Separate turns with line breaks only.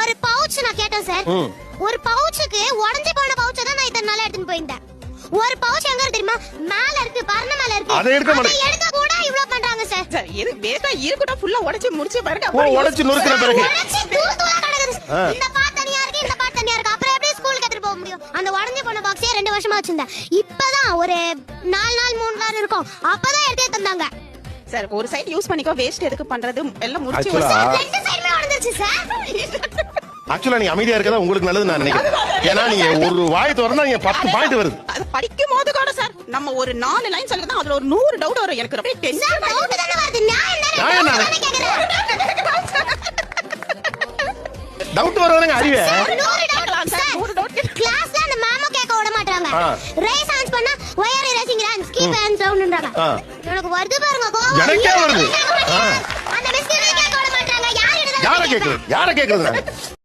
ஒரு பவுச் நான் கேட்டேன் சார். ஒரு பவுச்சுக்கு உடைஞ்சு போன பவுச்சை தான் நான் இத்தனை நாளா எடுத்துட்டு போயிருந்தேன். ஒரு பவுச் எங்க இருக்கு தெரியுமா? மேல இருக்கு, பர்ன மேல இருக்கு.
அதை
எடுக்க கூட இவ்ளோ பண்றாங்க சார்.
சார் இது வேகா இருக்கட்டும், ஃபுல்லா உடைச்சு முடிச்சு பாருங்க.
உடைச்சு நொறுக்குற பிறகு
உடைச்சு தூள் தூளா கிடக்குது. இந்த பாட் தனியா இருக்கு, இந்த பாட் தனியா இருக்கு. அப்புறம் எப்படி ஸ்கூலுக்கு எடுத்துட்டு போக முடியும்? அந்த உடைஞ்சு போன பாக்ஸே 2 வருஷமா வச்சிருந்தேன். இப்பதான் ஒரு 4 நாள் 3 நாள் இருக்கும். அப்பதான் எடுத்தே தந்தாங்க.
சார் ஒரு சைடு யூஸ் பண்ணிக்கோ, வேஸ்ட் எதுக்கு பண்றது? எல்லாம் முடிச்சு
ரெண்டு சைடுமே உடைஞ்சிருச்சு சார்.
ஆக்சுவலா நீங்க அமைதியா இருக்கதா உங்களுக்கு நல்லது நான் நினைக்கிறேன். ஏன்னா நீங்க ஒரு வாய் திறந்தா நீங்க 10 பாயிண்ட் வருது.
அது படிக்கும் போது கூட சார் நம்ம ஒரு 4 லைன் சொல்லிதான் அதுல ஒரு 100 டவுட் வரும். எனக்கு ரொம்ப டென்ஷன்.
டவுட் தான வருது. நான் என்ன
டவுட் வருதுங்க அறிவே.
100 டவுட்
கிளாஸ்ல அந்த மேமோ கேட்க விட மாட்டாங்க. ரேஸ் ஆன்ஸ் பண்ணா wire racing runs keep and சவுண்ட்ன்றாங்க. எனக்கு வருது பாருங்க கோவம்.
எனக்கே வருது.
அந்த மிஸ் கேட்க விட மாட்டாங்க.
யாரை கேக்குறது?